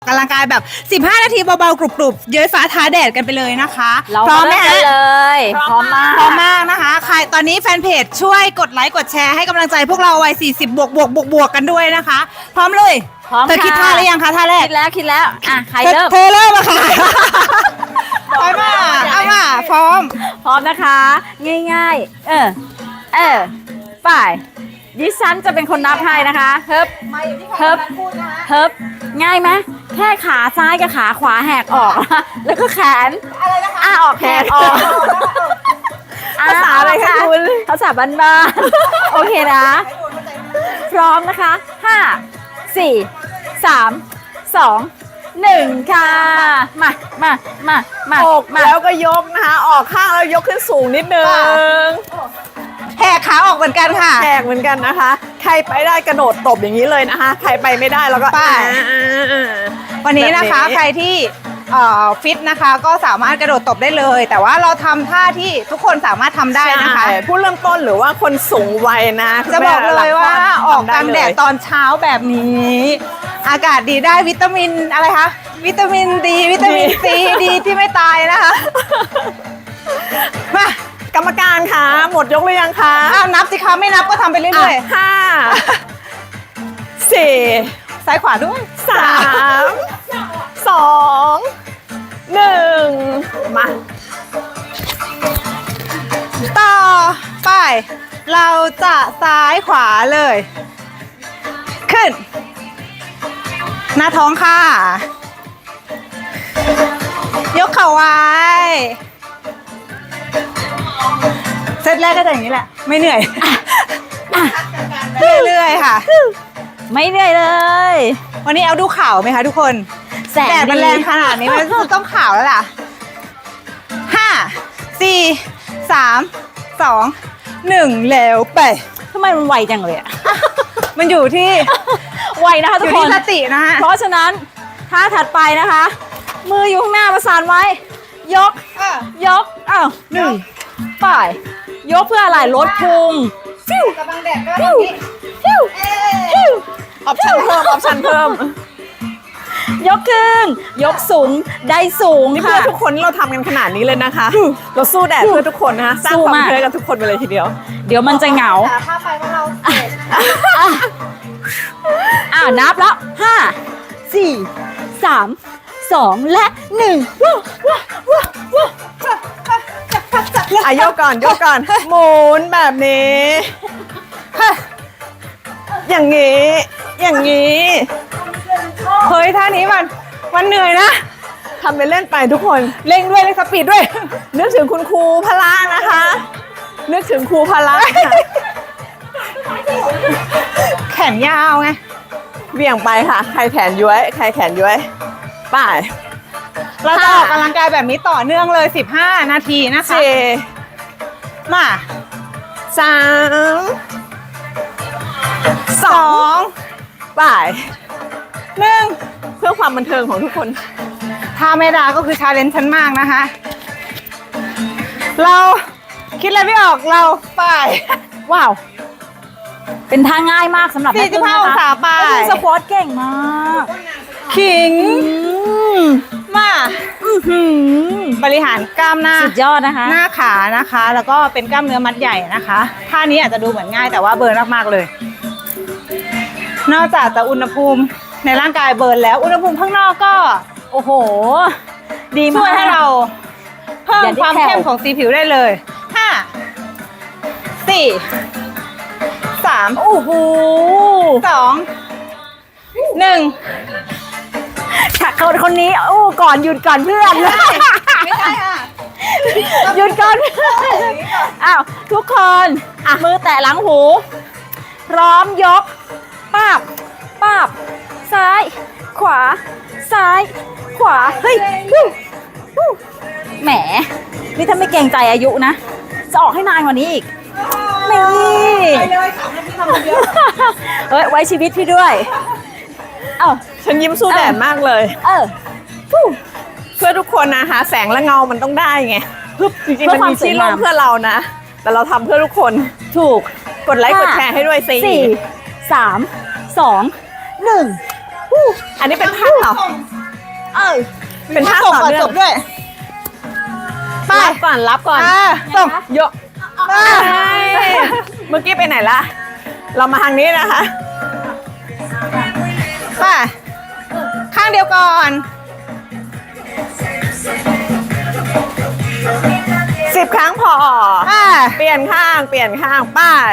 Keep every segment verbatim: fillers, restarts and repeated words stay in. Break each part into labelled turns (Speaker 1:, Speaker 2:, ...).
Speaker 1: กำลังกายแบบสิบห้านาทีเบาๆกรุบๆเย้ยฟ้าท้าแดดกันไปเลยนะคะพร้อมไหมฮะ
Speaker 2: เลยพร้อมมาก
Speaker 1: พร้อมมากนะคะใครตอนนี้แฟนเพจช่วยกดไลค์กดแชร์ให้กำลังใจพวกเราวัยสี่สิบบวกบวกบวกบวกกันด้วยนะคะพร้อมเลย
Speaker 2: พร้อม
Speaker 1: เธอคิดท่าหรือยังคะท่าแรก
Speaker 2: คิดแล้วคิดแล้วอ่ะใครเริ่ม
Speaker 1: เธอเริ่มอะค่ะพร้อมมาเอามาพร้อม
Speaker 2: พร้อมนะคะง่ายๆเออเออไปดิฉันจะเป็นคนนับให้นะคะเฮิบเฮิบเฮิบง่ายไหมแค่ขาซ้ายกับขาขวาแหกออกแล้วก็แขนอ้าออกแขนออก
Speaker 1: ภาษาอะไรคะคุณ
Speaker 2: ภาษาบ้านๆโอเคนะพร้อมนะคะห้าสี่สามสองหนึ่งค่ะมามามามา
Speaker 3: อกแล้วก็ยกนะคะออกข้างแล้วยกขึ้นสูงนิดนึง
Speaker 1: แหกขาออกเหมือนกันค่ะ
Speaker 3: แหกเหมือนกันนะคะใครไปได้กระโดดตบอย่างนี้เลยนะคะใครไปไม่ได้แล้วก็
Speaker 1: ไปวันนี้นะคะใครที่ฟิตนะคะก็สามารถกระโดดตบได้เลยแต่ว่าเราทำท่าที่ทุกคนสามารถทำได้นะคะ
Speaker 3: ผู้เริ่มต้นหรือว่าคนสูงวัยนะ
Speaker 1: จะบอกเลยว่าออกกลางแดดตอนเช้าแบบนี้อากาศดีได้วิตามินอะไรคะวิตามินดีวิตามินซีดีที่ไม่ตายนะคะม
Speaker 3: ากรรมการคะหมดยกหรือยังคะ
Speaker 1: นับสิคะไม่นับก็ทำไปเรื่อย
Speaker 3: ๆห้าสี่
Speaker 1: ซ้ายขวาด้วย
Speaker 3: สามสองหนึ่งมา
Speaker 1: ต่อไปเราจะซ้ายขวาเลยขึ้นหน้าท้องค่ะยกเข่าไว้เซตแรกก็จะอย่างนี้แหละไม่เหนื่อยเรื่อยๆค่ะ
Speaker 2: ไม่เหนื่อยเลย
Speaker 1: วันนี้เอาดูข่าวไหมคะทุกคนแดดมันแรงขนาดนี้มันต้องข่าวแล้วล่ะห้าสี่สามสองหนึ่งแล้วไป
Speaker 2: ทำไมมันไวจังเลยอ่ะ
Speaker 1: มันอยู่ที่
Speaker 2: ไวนะคะทุกคน
Speaker 1: อยู่ที่สตินะคะ
Speaker 2: เพราะฉะนั้นท่าถัดไปนะคะมืออยู่ข้างหน้าประสานไว้ยกยกอ้าวหนึ่งไปยกเพื่ออะไรลดพุง
Speaker 1: ฟิวกำลังแดดก็ฟิวฟิว
Speaker 3: ฟิวออปชั่นเพิ่มออปชั่นเพิ่ม
Speaker 2: ยกขึ้นยกสูงได้สูง
Speaker 3: นี่เพื่อทุกคนเราทำกันขนาดนี้เลยนะคะเราสู้แดดเพื่อทุกคนนะคะสร้างความเพื่อกันทุกคนไปเลยทีเดียว
Speaker 2: เดี๋ยวมันจะเหงา
Speaker 1: ถ้าไปพวกเรา
Speaker 2: อ่านับแล้วห้าสี่สามสองและหนึ่งว้าวว้าวว้าวว้าว
Speaker 3: อ่ะยกก่อนยกก่อนหมุนแบบนี้อย่างนี้อย่างนี้
Speaker 1: เฮ้ยท่านี้มันมันเหนื่อยนะ
Speaker 3: ทำไปเล่นไปทุกคน
Speaker 1: เร่งด้วยเร่งสปีดด้วย
Speaker 3: นึกถึงคุณครูพละนะคะนึกถึงครูพละ
Speaker 1: แขนยาวไง
Speaker 3: เบี่ยงไปค่ะใครแขนย้วยใครแขนย้วยไป
Speaker 1: เราจะออกกำลังกายแบบนี้ต่อเนื่องเลยสิบห้านาทีนะคะมา
Speaker 3: สามสองไป
Speaker 1: หนึ่ง
Speaker 3: เพื่อความบันเทิงของทุกคน
Speaker 1: ท่าเมดาก็คือชาเลนจ์ฉันมากนะคะเราคิดอะไรไม่ออกเราไป
Speaker 2: ว้าวเป็นท่าง่ายมากสำหรับ
Speaker 1: สี่สิบห้าองศาไป
Speaker 2: สควอตเก่งมาก
Speaker 1: ขิงมาบริหารกล้ามหน้า
Speaker 2: สุดยอดนะคะ
Speaker 1: หน้าขานะคะแล้วก็เป็นกล้ามเนื้อมัดใหญ่นะคะท่านี้อาจจะดูเหมือนง่ายแต่ว่าเบิร์นมากๆเลยนอกจากจะอุณหภูมิในร่างกายเบิร์นแล้วอุณหภูมิข้างนอกก็
Speaker 2: โอ้โหดีมาก
Speaker 1: ช่วยให้เราเพิ่มความเข้มของสีผิวได้เลยห้าสี่สาม
Speaker 2: โอ้โห
Speaker 1: สองหนึ่ง
Speaker 2: คนคนนี้โอ้ก่อนหยุดก่อนเพื่อน
Speaker 1: ไม่ใช่ค่ะ
Speaker 2: หยุดก่อนอ้าวทุกคนอ่ะมือแตะหลังหูพร้อมยกป้าบป้าบซ้ายขวาซ้ายขวาเฮ้ยแหมนี่ถ้าไม่เกรงใจอายุนะจะออกให้นานกว่านี้อีกนี่
Speaker 1: ไปเลยสามนาทีทำคนเดียว
Speaker 2: เฮ้ยไว้ชีวิตพี่ด้วยเอ้า
Speaker 3: ฉันยิ้มสู้แดดมากเลย
Speaker 2: เออ
Speaker 3: เพื่อทุกคนนะคะแสงและเงามันต้องได้ไงจริงๆมันมีที่ร่มเพื่อเรานะแต่เราทำเพื่อทุกคน
Speaker 2: ถูก
Speaker 3: กดไลค์กดแชร์ให้ด้วยสี่
Speaker 2: สามสองหนึ่ง
Speaker 3: อันนี้เป็นท่าเหรอเป็นท่า
Speaker 1: ส่ง
Speaker 3: ต่อ
Speaker 1: ก่อน
Speaker 3: เนื่
Speaker 1: จ
Speaker 3: อง
Speaker 1: บด้วยไป
Speaker 3: รับก่อนรับก่อน
Speaker 1: อ่าส่ง
Speaker 3: ยก
Speaker 1: อ่า
Speaker 3: เมื่อกี้ไปไหนละเรามาทางนี้นะคะ
Speaker 1: ไปข้างเดียวก่อน
Speaker 3: สิบครั้งพอ
Speaker 1: อ่า
Speaker 3: เปลี่ยนข้างเปลี่ยนข้างไป้าย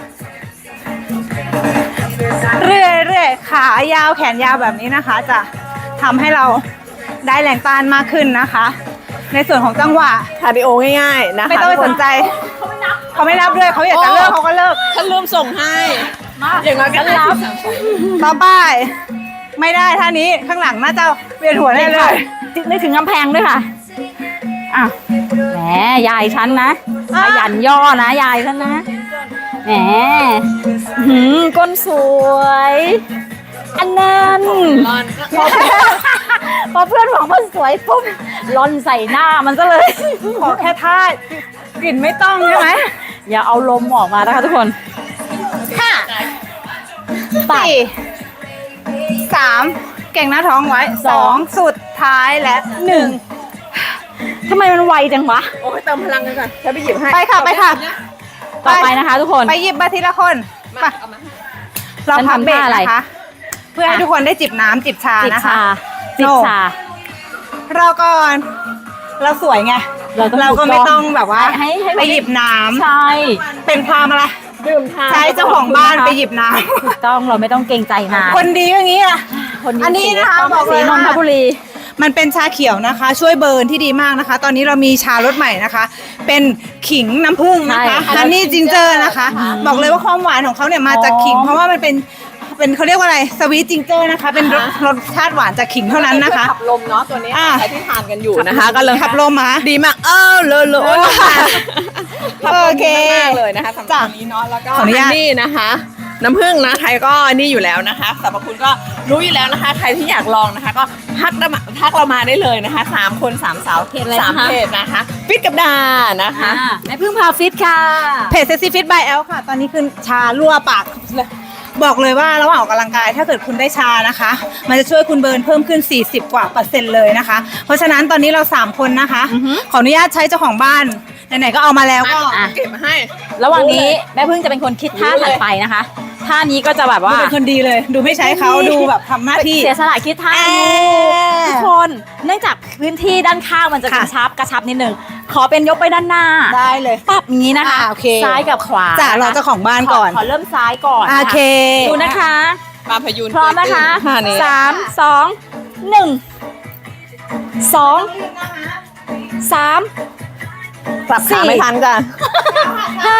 Speaker 1: เรื่อยเรื่อยขายาวแขนยาวแบบนี้นะคะ จะทำให้เราได้แรงต้านมากขึ้นนะคะ ในส่วนของจังหวะ
Speaker 3: คาร์ดิโอง่ายๆนะคะ
Speaker 1: ไม่ต้องไปสนใจ เขาไม่นับด้วยเขาอยากจะเลิกเขาก็เลิก
Speaker 3: ฉันลืมส่งให้อย่างน้อยก็รับ
Speaker 1: ต่อไปไม่ได้ท่านี้ข้างหลังน่าจะเวียนหัวแน่เลย
Speaker 2: นึกถึงกำแพงด้วยค่ะอ่ะแหมยายฉันนะ
Speaker 1: อ่ะ
Speaker 2: ขยันย่อนะยายฉันนะแหมหืมก้นสวย อันนั้นพอพอเพื่อนบอกว่าสวยปุ๊บลอนใส่หน้ามันซะเลย
Speaker 1: ขอแค่ท่ากลิ่นไม่ต้องใช่ไหม
Speaker 2: อย่าเอาลมออกมานะคะทุกคน
Speaker 1: ห้า
Speaker 2: ตัด
Speaker 1: สี่สามเก่งหน้าท้องไว้สองสุดท้ายและหนึ่ง
Speaker 2: ทำไมมันไวจังวะ
Speaker 3: โอ้ยเติมพลังกันก่อนฉันไปหยิบให้
Speaker 1: ไปค่ะไปค่ะ
Speaker 2: ต่อไปนะคะทุกคน
Speaker 1: ไปหยิบมาทีละคนไป
Speaker 3: เอามา
Speaker 1: เราพักเบรก
Speaker 2: ฉันทำท่าอะไร
Speaker 1: นะคะ เพื่อให้ทุกคนได้จิบน้ำจิบชา
Speaker 2: จิบ
Speaker 1: นะคะ
Speaker 2: ชาจิบ
Speaker 1: โน่
Speaker 2: ชา
Speaker 1: รอก่อน เราสวยไง
Speaker 2: เราต้อง
Speaker 1: เราก็ไม่
Speaker 2: ถูกต้
Speaker 1: ต้
Speaker 2: อ
Speaker 1: อง งแบบว่า
Speaker 2: ให้ให้
Speaker 1: ไปหยิบน้ำ
Speaker 2: ใช่
Speaker 1: เป็นความอะไร
Speaker 3: ดื่มทาน
Speaker 1: ใช้เจ้าของบ้านไปหยิบน้
Speaker 2: ถูกต้องเราไม่ต้องเกรงใจนาน
Speaker 1: ำคนดีอย่างนี้อ่ะ
Speaker 2: คน
Speaker 1: อันนี้นะคะบอกเล
Speaker 2: สี
Speaker 1: ย
Speaker 2: น
Speaker 1: ว่าน
Speaker 2: ทบุรี
Speaker 1: มันเป็นชาเขียวนะคะ ช่วยเบิร์นที่ดีมากนะคะ ตอนนี้เรามีชารสใหม่นะคะ เป็นขิงน้ำผึ้งนะคะ
Speaker 2: ใช่
Speaker 1: ฮันนี่จินเจอร์นะคะ บอกเลยว่าความหวานของเขาเนี่ยมาจากขิง
Speaker 2: อ๋อ
Speaker 1: เพราะว่ามันเป็นเป็นเขาเรียกว่าอะไรสวีทจิงเจอร์นะคะ เป็นรสรสชาติหวานจากขิงเท่านั้นนะคะ
Speaker 3: ขับลมเนาะตัวนี้
Speaker 1: อ่ะ
Speaker 3: ใครที่ทานกันอยู่นะคะก็เลย
Speaker 1: ขับลมมา
Speaker 3: ดีมากเออเลยเลย
Speaker 1: โอเค
Speaker 3: มากเลยนะคะสำหรับวันนี้เนาะแล้วก็
Speaker 1: ขออนุญาต
Speaker 3: ฮันนี่นะคะ น้ำผึ้งนะใครก็นี่อยู่แล้วนะคะสรรพคุณก็รู้อยู่แล้วนะคะ ใครที่อยากลองนะคะ ก็ทักเรามาทักเรามาได้เลยนะคะสามคนสามสาว
Speaker 2: เพจอะไร
Speaker 3: สาม
Speaker 2: นะคะ
Speaker 3: เพจนะคะฟิตกับดานะคะ
Speaker 2: อ่าแม่พึ่งพาฟิตค่ะ
Speaker 1: เพจเซซี่ฟิตบายแอลค่ะ ตอนนี้คือชารั่วปากเลยบอกเลยว่าระหว่างออกกำลังกายถ้าเกิดคุณได้ชานะคะ มันจะช่วยคุณเบิร์นเพิ่มขึ้น สี่สิบ กว่าเปอร์เซ็นต์เลยนะคะ เพราะฉะนั้นตอนนี้เราสามคนนะคะ ขออนุญาตใช้เจ้าของบ้านไหนๆก็เอามาแล้วก็
Speaker 2: อ่ะ
Speaker 3: เก็บมาให้
Speaker 2: ระหว่างนี้แม่พึ่งจะเป็นคนคิดท่าถัดไปนะคะท่านี้ก็จะแบบ
Speaker 1: ดู
Speaker 2: ว่า
Speaker 1: เป็นคนดีเลย ดูไม่ใช้เขาดูแบบทำหน้าที่
Speaker 2: เสียสละคิดท่า
Speaker 1: เอ่อ
Speaker 2: ทุกคนเนื่องจากพื้นที่ด้านข้างมันจะก
Speaker 1: ค่ะ
Speaker 2: ระชับกระชับนิดนึงขอเป็นยกไปด้านหน้า
Speaker 1: ได้เลย
Speaker 2: ปรับอย่างนี้นะคะ
Speaker 1: อ่าโอเค
Speaker 2: ซ้ายกับขวา
Speaker 1: จ้ะรอเจ้าของบ้านก่อน
Speaker 2: ขขอเริ่มซ้ายก่อน
Speaker 1: โอเค
Speaker 2: ดูนะคะ
Speaker 3: ปลาพยูน
Speaker 2: พร้อมนะคะ
Speaker 3: ท่านี้
Speaker 2: สามสองหนึ่งสองสาม
Speaker 3: ปรับ
Speaker 2: สี่
Speaker 3: ขาไม่ทันจ้ะ
Speaker 2: ห้า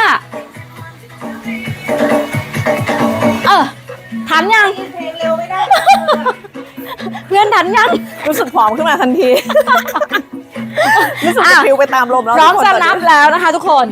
Speaker 2: เออทันยัง เพื่อนทันยัง
Speaker 3: รู้สึกผอมขึ้นมาทันทีรู้สึกจะ
Speaker 2: อ่ะ
Speaker 3: ฟิวไปตามลมแล้ว
Speaker 2: พร้อม
Speaker 3: ทุกคน
Speaker 2: จะ
Speaker 3: ต
Speaker 2: นั
Speaker 3: น
Speaker 2: บ
Speaker 3: นี้
Speaker 2: แล้วนะคะทุกคน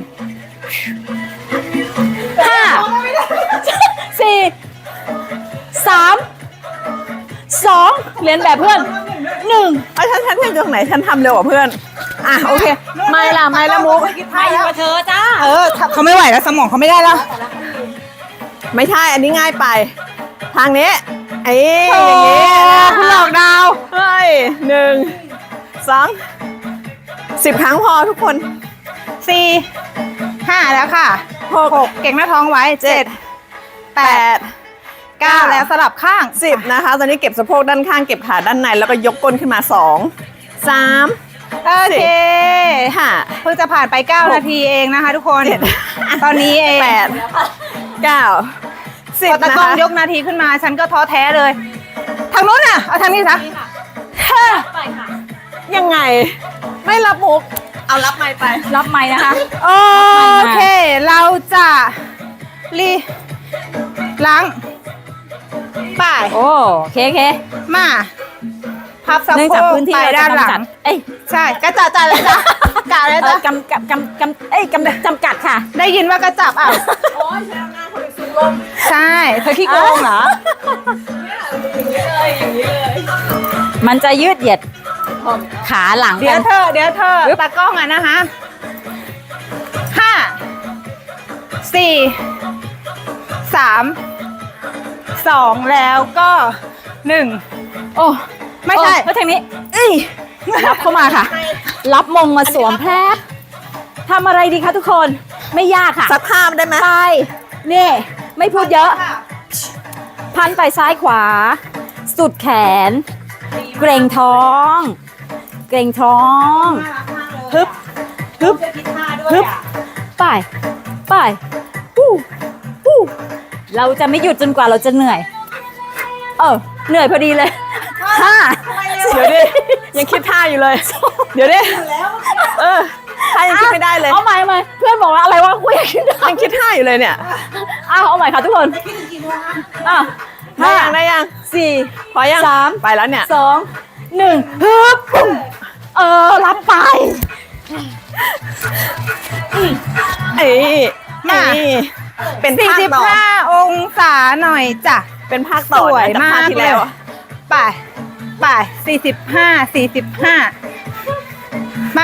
Speaker 2: ห้าสี่สามสองเรียนแบบเพื่อนหนึ่ง
Speaker 3: เอาฉันฉันเพื่อนตรงไหนฉันทำเร็วกว่าเพื่อนอ่ะโอเคไม่ละไม่ละมุก
Speaker 2: ไม่อยู่กับเธอจ้า
Speaker 1: เออเขาไม่ไหวแล้วสมองเขาไม่ได้แล้ว
Speaker 3: ไม่ใช่อันนี้ง่ายไป ทางนี้ไอ้
Speaker 1: โอ้
Speaker 3: อย่างนี้นะ
Speaker 1: คุณหลอกดาว
Speaker 3: เฮ้ยหนึ่งสองสิบครั้งพอทุกคน
Speaker 1: สี่ห้าแล้วค่ะหกเก่งหน้าท้องไว้เจ็ดแป
Speaker 3: แป
Speaker 1: ด
Speaker 3: ด
Speaker 1: เก้าแล้วสลับข้าง
Speaker 3: สิบนะคะ ตอนนี้เก็บสะโพกด้านข้างเก็บขาด้านในแล้วก็ยกก้นขึ้นมาสองสาม
Speaker 1: โอเค
Speaker 3: ห้า
Speaker 1: เพิ่งจะผ่านไป เก้า นาทีเองนะคะทุกคน ตอนนี้เอง
Speaker 3: แปดเก้าสิ
Speaker 1: พ
Speaker 3: บ
Speaker 1: อตะ
Speaker 3: นะ
Speaker 1: กล้อง
Speaker 3: คะ
Speaker 1: ยกนาทีขึ้นมา ฉันก็ท้อแท้เลย ทางนู้นน่ะ เอาทางนี้ซะ
Speaker 3: ยังไง ไม่รับมุก เอารับไม้ไป
Speaker 2: รับไม้นะคะ
Speaker 1: โอเค เราจะรีล้างป่าย
Speaker 2: โอ้โอเคโอเค
Speaker 1: มา พับสะ
Speaker 2: เนื่อง
Speaker 1: โพ
Speaker 2: จาก
Speaker 1: ก
Speaker 2: พื้นที่
Speaker 1: ไป
Speaker 2: เรา
Speaker 1: ด้าน
Speaker 2: จะ
Speaker 1: หลั
Speaker 2: กำจัด
Speaker 1: ง
Speaker 2: เอ้ย
Speaker 1: ใช่กระจัดจัดเลยจ้ะกะเลย
Speaker 2: เอ
Speaker 1: จ้ะ
Speaker 2: อกำกำกำกำเอ้ยกำจำกัดค่ะ
Speaker 1: ได้ยินว่ากระจับอ่ะ
Speaker 3: โอ้ยใช้อำนาจคนอื่นสุดลม
Speaker 1: ใช่ เธอขี้โกงเหรอ
Speaker 3: อย่างนี้เลยอย่างนี้เลย
Speaker 2: มันจะยืดเหยียดขาหลัง
Speaker 1: เดี๋ยว
Speaker 2: กัน
Speaker 1: เธอ เดี๋ยวเธอตากล้องอ่ะนะคะห้าสี่สามสองแล้วก็หนึ่ง
Speaker 2: โอ้
Speaker 1: ไม่ใช่
Speaker 2: โอ้แล้วทางนี้
Speaker 1: เอ้ย
Speaker 2: รับเข้ามาค่ะ รับมงมาสวมแพรบทำอะไรดีคะทุกคนไม่ยากค่ะ
Speaker 3: สักภาพได้ไหม
Speaker 2: ไปนี่ไม่พูดเยอะ พันไปซ้ายขวา สุดแขน เกรงท้อง เกรงท้องฮึบฮึบฮึบไปไปฮู้ฮู้เราจะไม่หยุดจนกว่าเราจะเหนื่อย เออเหนื่อยพอดีเลยห้า
Speaker 3: เดี๋ยวดิยังคิดท่าอยู่เลย เดี๋ยวดิเออท่ายังคิดไม่ได้เลย
Speaker 2: เอาใหม่เอาใหม่เพื่อนบอกว่าอะไรวะกูยังคิดได้
Speaker 3: ยังคิดท่าอยู่เลยเนี่ย
Speaker 2: อ้าวเอาใหม่ค่ะทุกคนอ้าว
Speaker 3: ได้ยังได้ยัง
Speaker 2: สี่
Speaker 3: พอยัง
Speaker 2: สาม
Speaker 3: ไปแล้วเนี่ย
Speaker 2: สองหนึ่งฮึบเออรับไป
Speaker 3: เอ้ย
Speaker 1: มา
Speaker 3: เอ้ยเป็น
Speaker 1: สี่
Speaker 3: ภาค
Speaker 1: สิบ
Speaker 3: ต่อ
Speaker 1: ห้าองศาหน่อยจ้ะ
Speaker 3: เป็นภาคต่อ
Speaker 1: สวย
Speaker 3: นะจากภาค
Speaker 1: มาก
Speaker 3: ที่แล้วอะ
Speaker 1: ไปไปสี่สิบห้าสี่สิบห้ามา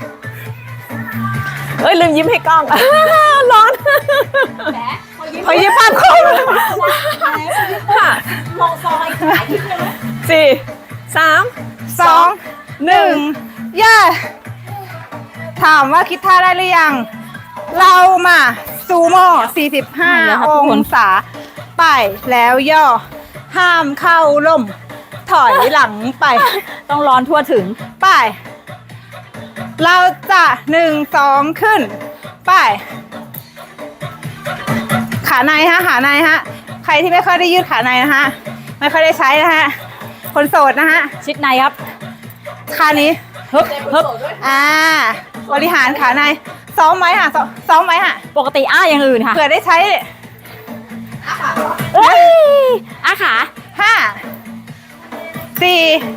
Speaker 3: เอ้ยลืมยิ้มให้กล้อง ร้อน
Speaker 1: ขอยืมภาพคู่
Speaker 3: ค่ะสี่สาม
Speaker 1: สองหนึ่งย่าถามว่าคิดท่าได้หรือยัง เรามาซูโม่สี่สิบห้า
Speaker 2: แล้วครับ
Speaker 1: อ
Speaker 2: ทุกค
Speaker 1: ง
Speaker 2: น
Speaker 1: ศาไปแล้วย่อ ห้ามเข้าล่ม ถอยหลังไป
Speaker 2: ต้องร้อนทั่วถึง
Speaker 1: ไป เราจะหนึ่งสองขึ้น ไป ขาในฮะ ขาในฮะ ใครที่ไม่ค่อยได้ยืดขาในนะฮะ ไม่ค่อยได้ใช้นะฮะ คนโสดนะฮะ
Speaker 2: ชิดในครับ
Speaker 1: ขานี้ฮึบฮึบอ่า บริหารขาใน ซ้อมไว้ค่ะ ซ้อมซ้อมไว้ค่ะ
Speaker 2: ปกติอ้าอย่างอื่นค่ะ
Speaker 1: เผื่อได้ใช้
Speaker 2: เอ้ยอ้าขา
Speaker 1: ห้า สี่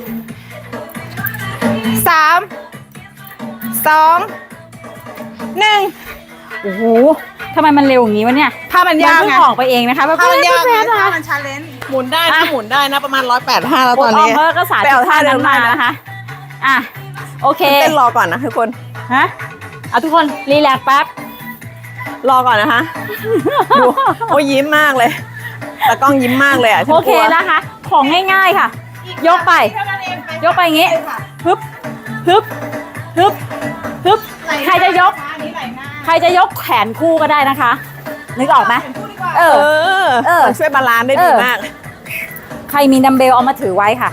Speaker 1: สาม สอง หนึ่ง
Speaker 2: โอ้โหทำไมมันเร็วอย่างนี้วะเนี่ย
Speaker 1: ผ้ามันยาก
Speaker 2: เพิ่
Speaker 1: ไง
Speaker 2: งออกไปเองนะคะแบบ
Speaker 1: ผ้ามันยาก
Speaker 2: แป๊
Speaker 1: ไง
Speaker 2: บๆนะ
Speaker 1: ผ้า
Speaker 2: คะ
Speaker 1: มันชาเลนจ์
Speaker 3: หมุนได้นะหมุนได้นะประมาณร้อยแปดห้าแล้วตอน
Speaker 2: ออ
Speaker 3: นี้
Speaker 2: มเพิ่ก็สาธิ
Speaker 3: ไป
Speaker 2: ต
Speaker 3: เอาท่า
Speaker 2: ท่า
Speaker 3: เดิ
Speaker 2: นั้
Speaker 3: ม
Speaker 2: นมา
Speaker 3: ได้นะ
Speaker 2: นะคะ อ่ะ โอเค
Speaker 3: เต้นรอก่อนนะทุกคน
Speaker 2: ฮะ เอาทุกคนรีแลกซ์แป๊บ
Speaker 3: รอก่อนนะคะดูโอ้ยยิ้มมากเลยแต่กล้องยิ้มมากเลยอ่ะฉัน
Speaker 2: โอก เค
Speaker 3: ลัว
Speaker 2: นะคะ ของง่ายๆค่ะ ยกไป ยกไปอย่างงี้ ฮึบ ฮึบ ฮึบ ฮึบ ใครจะยก ใครจะยกแขนคู่ก็ได้นะคะ นึกออกไหมเอ
Speaker 3: เอ
Speaker 2: อ
Speaker 3: อ
Speaker 2: เออ
Speaker 3: ช่วยบาลานซ์ได้ดี
Speaker 2: เออ
Speaker 3: มาก
Speaker 2: ใครมีดัมเบลเอามาถือไว้ค่ะ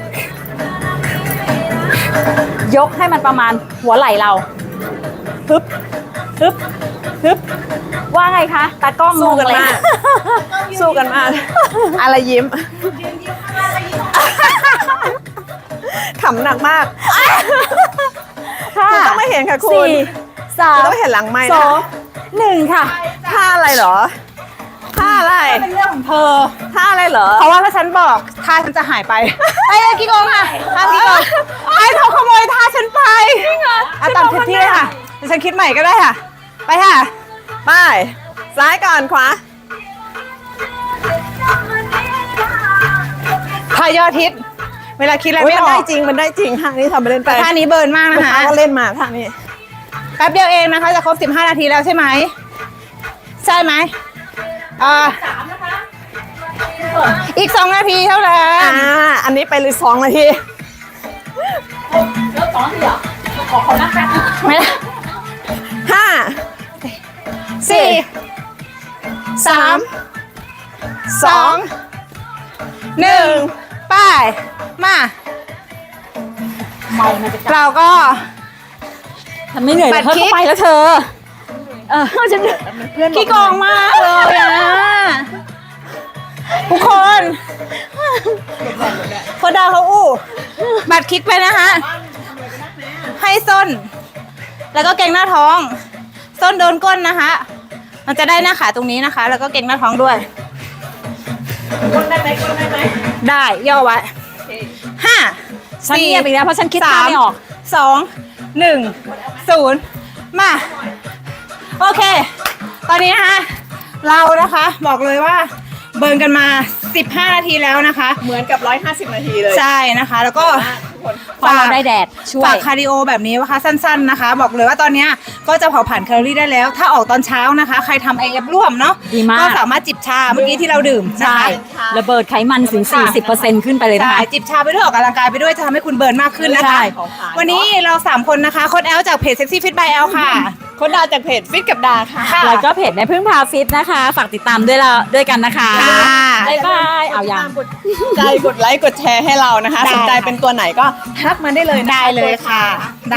Speaker 2: ยกให้มันประมาณหัวไหล่เรา ฮึบ ฮึบ ฮึบ ว่าไงคะ ตากล้อง
Speaker 3: สู้กัน
Speaker 2: งงเลย
Speaker 3: มาก สู้กันมาก อะไรยิ้มขำหนักมาก
Speaker 2: ค่ะ
Speaker 3: คุณต้องไม่เห็นค่ะคุณ
Speaker 2: สี่สา
Speaker 3: คุณ
Speaker 2: ม
Speaker 3: ต้องเห็นหลังไม้
Speaker 2: ส
Speaker 3: นะ
Speaker 2: องหนึ่งค่ะ
Speaker 3: ท่าอะไรเหรอท่าอะไร
Speaker 1: เป็นเรื่องของเธอ
Speaker 3: ท่าอะไรเหรอ
Speaker 1: เพราะว่าถ้าฉันบอกท่าฉันจะหายไปไอ้กิ๊กโกงค่ะท่ากิ๊กโกงไอ้เขาขโมยท่าฉันไปจริงเหรออ่ะตามที่เลยค่ะเดี๋ยวฉันคิดใหม่ก็ได้ค่ะ ไปค่ะ
Speaker 3: ไป ซ้ายก่อนขวา
Speaker 1: ท่ายอดฮิตเวลาคิดอะไร
Speaker 3: อุ๊ย
Speaker 1: ไม่
Speaker 3: มัน
Speaker 1: อ
Speaker 3: ได้
Speaker 1: อก
Speaker 3: จริง มันได้จริงท่านี้ทำไปเล่นไป
Speaker 1: ท่านี้เบิร์นมาก
Speaker 3: ลู
Speaker 1: นะ
Speaker 3: ก
Speaker 1: คะ
Speaker 3: ค้าก็เล่นมาท่านี้
Speaker 1: แป๊บเดียวเองนะคะจะครบสิบห้านาทีแล้วใช่ไหมใช่ไหมอ่าอีกสองนาทีเท่านั้
Speaker 3: อ่าน อันนี้ไปเลยสองนาที
Speaker 2: ไม่ได้
Speaker 3: ห้า
Speaker 1: สี่สามสองหนึ่งไป้ายมาเราก็
Speaker 2: ทำไม่เหนื่อย
Speaker 1: ปั
Speaker 2: เล
Speaker 1: ด
Speaker 2: ยเธอ
Speaker 1: คลิป
Speaker 2: เข้าไปแล้วเธอ เออฉัน
Speaker 1: ขี้โกองมากเลยอะทุกคนโคดาเขาอู้บัตรคลิกไปนะคะ ให้ส้น แล้วก็เกรงหน้าท้อง ส้นโดนก้นนะคะ มันจะได้หน้าขาตรงนี้นะคะ แล้วก็เกรงหน้าท้องด้วย
Speaker 3: ก้นได้ไหมก้นได้ไหม
Speaker 1: ได้ย่อไว้ห้า
Speaker 2: ฉัน
Speaker 1: สี่
Speaker 2: เงียบอีกแล้วเพราะฉันคิด
Speaker 1: สา
Speaker 2: ท่าม ไม่ออก
Speaker 1: สองหนึ่งศูนย์มา โอเค ตอนนี้นะคะ เรานะคะบอกเลยว่าเบิร์นกันมาสิบห้านาทีแล้วนะคะ
Speaker 3: เหมือนกับร้อยห้าสิบนาทีเลย
Speaker 1: ใช่นะคะ แล้วก็
Speaker 3: ทุกคคน
Speaker 2: เพราะเราได้แดดช่วย
Speaker 1: ฝากคาร์ดิโอแบบนี้นะคะสั้นๆนะคะ บอกเลยว่าตอนเนี้ยก็จะเผาผ่านแคลอรี่ได้แล้ว ถ้าออกตอนเช้านะคะ ใครทำ เอ เอฟ ร่วมเนาะ
Speaker 2: ดีมาก
Speaker 1: ก็สามารถจิบชาเมื่อกี้ที่เราดื่มนะ
Speaker 2: ใช่
Speaker 1: คะ
Speaker 2: ระเบิดไขมันถึง สี่สิบเปอร์เซ็นต์ ขึ้นไปเลยนะ
Speaker 1: ใช่
Speaker 2: คะ
Speaker 1: จิบชาไปด้วยออกกำลังกายไปด้วยจะทำให้คุณเบิร์นมากขึ้นนะ
Speaker 2: ใช่
Speaker 1: คะ วันนี้เราสามคนนะคะโค้ดแอลจากเพจ Sexy Fit by แอลค่ะ
Speaker 3: คนดาวจากเพจฟิตกับดาค่ะ
Speaker 1: ค่ะ
Speaker 2: แล้วก็เพจแม่พึ่งพาฟิตนะคะ ฝากติดตามด้วยละด้วยกันนะคะ
Speaker 1: ค่ะ
Speaker 2: บ๊ายบายเอายัง
Speaker 3: กดใจกดไลค์กดแชร์ให้เรานะคะ
Speaker 1: ได้
Speaker 3: สนใจเป็นตัวไหนก็ทักมาได้เลยนะคะ
Speaker 1: ได้เลยค่ะ